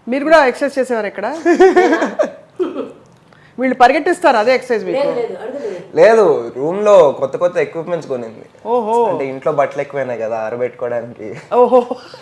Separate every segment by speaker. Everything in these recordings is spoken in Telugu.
Speaker 1: మీరు కూడా ఎక్సర్సైజ్ చేసేవారు ఇక్కడ? వీళ్ళు పరిగెట్టిస్తారు, అదే ఎక్సర్సైజ్ మీకు?
Speaker 2: లేదు, రూమ్ లో కొత్త కొత్త ఎక్విప్మెంట్స్ కొనింది.
Speaker 1: ఓహో,
Speaker 2: అంటే ఇంట్లో బట్టలు ఎక్కువైనాయి కదా ఆరబెట్టుకోవడానికి.
Speaker 1: ఓహో,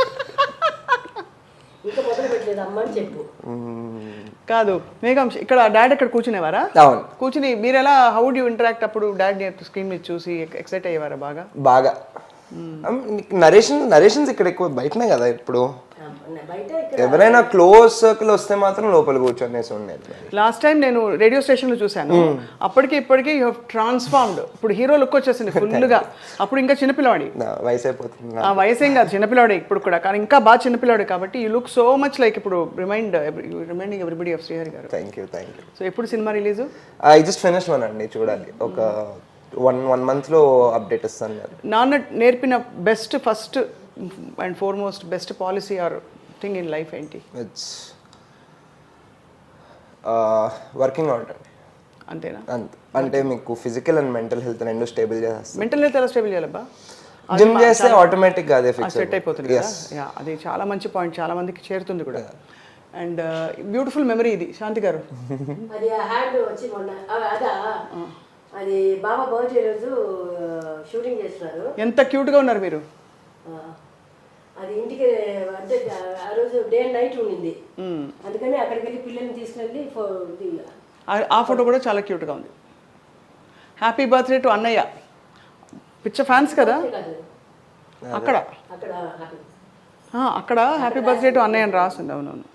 Speaker 1: కాదు మేఘం, ఇక్కడ డాడ్ ఇక్కడ కూర్చునేవారా?
Speaker 2: అవును,
Speaker 1: కూర్చుని మీరు ఎలా, హౌ డు యు ఇంటరాక్ట్ అప్పుడు? డాడ్ స్క్రీన్ మీద చూసి ఎక్సైట్ అయ్యేవారా బాగా?
Speaker 2: బాగా. నరేషన్స్ ఇక్కడ ఎక్కువ బయటనే కదా ఇప్పుడు. ఎవరైనా క్లోజ్ సర్కిల్ వస్తే మాత్రం లోపల కూర్చొనేసి ఉండేది.
Speaker 1: లాస్ట్ టైం నేను రేడియో స్టేషన్ లో చూసాను, అప్పటికి ఇప్పటికి యూ హావ్ ట్రాన్స్ఫార్మ్డ్. ఇప్పుడు హీరో లుక్ వచ్చేసింది ఫుల్ గా. అప్పుడు ఇంకా చిన్నపిల్లవాడి,
Speaker 2: వయసు అయిపోతుంది.
Speaker 1: ఆ వయసు ఏం కాదు, చిన్నపిల్లవాడి ఇప్పుడు కూడా, కానీ ఇంకా బాగా చిన్నపిల్లవాడి కాబట్టి you look so much like ఇప్పుడు రిమైండింగ్ ఎవ్రీబడి ఆఫ్ శ్రీహరి గారు.
Speaker 2: Thank you.
Speaker 1: సో ఎప్పుడు cinema release?
Speaker 2: I just finish one అండి, చూడాలి. ఒక 1 month లో అప్డేట్ ఇస్తాను.
Speaker 1: నాన్న నేర్పిన best, first and foremost best policy are thing in life ఏంటి?
Speaker 2: ఇట్స్ వర్కింగ్ అవుట్ అండి.
Speaker 1: అంతేనా?
Speaker 2: అంటే మీకు ఫిజికల్ అండ్ మెంటల్ హెల్త్ రెండు స్టేబుల్ చేస్తాను.
Speaker 1: మెంటల్ హెల్త్ ఎలా స్టేబుల్ చేయాలబ్బా?
Speaker 2: జిమ్ చేస్తే ఆటోమేటిక్ గా అదే
Speaker 1: సెట్ అయిపోతుంది కదా. యా, అది చాలా మంచి పాయింట్, చాలా మందికి చేరుతుంది కూడా. అండ్ బ్యూటిఫుల్ మెమరీ ఇది. శాంతి గారు,
Speaker 3: అది హ్యాండ్ వచ్చి మొన్న అది బాబా బర్త్డే రోజు షూటింగ్ చేస్తున్నారు.
Speaker 1: ఎంత క్యూట్ గా ఉన్నారు మీరు.
Speaker 3: అది ఇంటికి అంటే ఆ రోజు డే అండ్ నైట్ ఉండింది, అందుకని అక్కడికి వెళ్ళి పిల్లల్ని తీసుకెళ్ళి
Speaker 1: ఆ ఫోటో కూడా చాలా క్యూట్ గా ఉంది. హ్యాపీ బర్త్డే టు అన్నయ్య. పిచ్చ ఫ్యాన్స్ కదా అక్కడ. అక్కడ హ్యాపీ బర్త్డే టు అన్నయ్య అని రాసింది. అవునవును.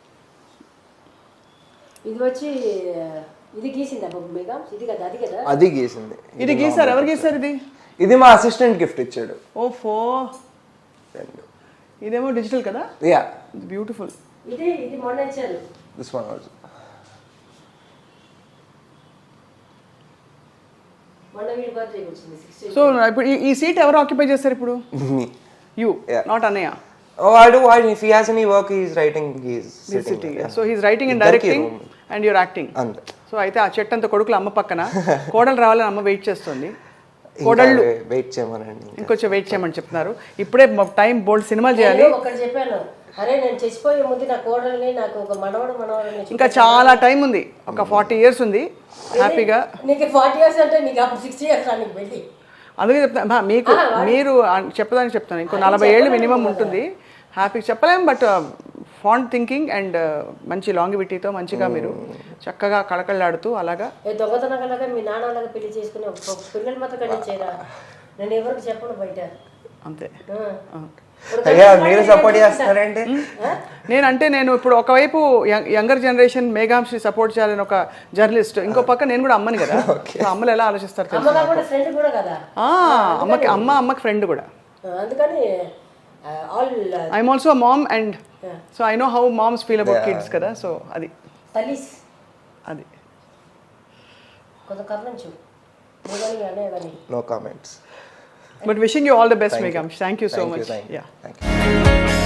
Speaker 3: ఇది వచ్చి ఇది గీసింది ఇది కదా, అది కదా,
Speaker 2: అది గీసింది.
Speaker 1: ఇది గీసారు? ఎవరు గీసారు ఇది?
Speaker 2: ఇది మా అసిస్టెంట్ గిఫ్ట్ ఇచ్చాడు.
Speaker 1: ఓఫో, ఇదేమో డిజిటల్ కదా.
Speaker 2: Yeah,
Speaker 1: beautiful.
Speaker 3: ఇది మొన్న ఇచ్చారు.
Speaker 2: This one also.
Speaker 3: మొన్న వీడి బర్త్డే వచ్చింది 16.
Speaker 1: సో ఇప్పుడు ఈ సీట్ ఎవరు ఆక్యుపై చేస్తారు ఇప్పుడు? యు, నాట్ అన్నయ్య.
Speaker 2: Oh, I do. If he has any work, he's writing. He's sitting.
Speaker 1: Yeah. So he's writing and directing, and you're acting. So అయితే ఆ చెట్టు అంతా కొడుకులు అమ్మ పక్కన, కోడలు రావాలని అమ్మ వెయిట్ చేస్తుంది. కోడళ్ళు
Speaker 2: వెయిట్ చేయమనండి,
Speaker 1: ఇంకొంచెం వెయిట్ చేయమని చెప్తున్నారు. ఇప్పుడే టైం బోల్డ్ సినిమాలు చేయాలి.
Speaker 3: ఒకటి చెప్పాను, అరే నేను చచ్చిపోయే ముందు నా కోడల్ని, నాకు ఒక మనవడు
Speaker 1: ఇంకా చాలా టైం ఉంది, ఒక 40 years ఉంది హ్యాపీగా.
Speaker 3: నీకు 40 years అంటే నీకు అప్పుడు 60 years రానికి వెళ్ళి.
Speaker 1: అందుకే చెప్తాను మీకు, మీరు చెప్పడానికి చెప్తాను, ఇంకో 40 ఏళ్ళు మినిమం ఉంటుంది. హ్యాపీగా చెప్పలేం, బట్ ఫాంట్ థింకింగ్ అండ్ మంచి లాంగివిటీతో మంచిగా మీరు చక్కగా కళకళలాడుతూ అలాగా
Speaker 3: దొంగతనగా మీ నాన్నలాగా పెళ్లి చేసుకుని పిల్లలు మాత్రం కండించేరా, నేను ఎవరికి చెప్పను బయట.
Speaker 1: అంతే.
Speaker 2: మీరు సపోర్ట్ చేస్తారంటే
Speaker 1: నేను ఇప్పుడు ఒకవైపు యంగర్ జనరేషన్ మేఘాంశి సపోర్ట్ చేయాలని ఒక జర్నలిస్ట్, ఇంకో పక్క నేను కూడా అమ్మని కదా. అమ్మలు ఎలా ఆలోచిస్తారు? అమ్మకి ఫ్రెండ్ కూడా.
Speaker 3: అందుకని
Speaker 1: I'm also mom and so I know how moms feel about kids కదా. సో అది అది
Speaker 2: no comments.
Speaker 1: But wishing you all the best, Megam. Thank you so much. Yeah. Thank you.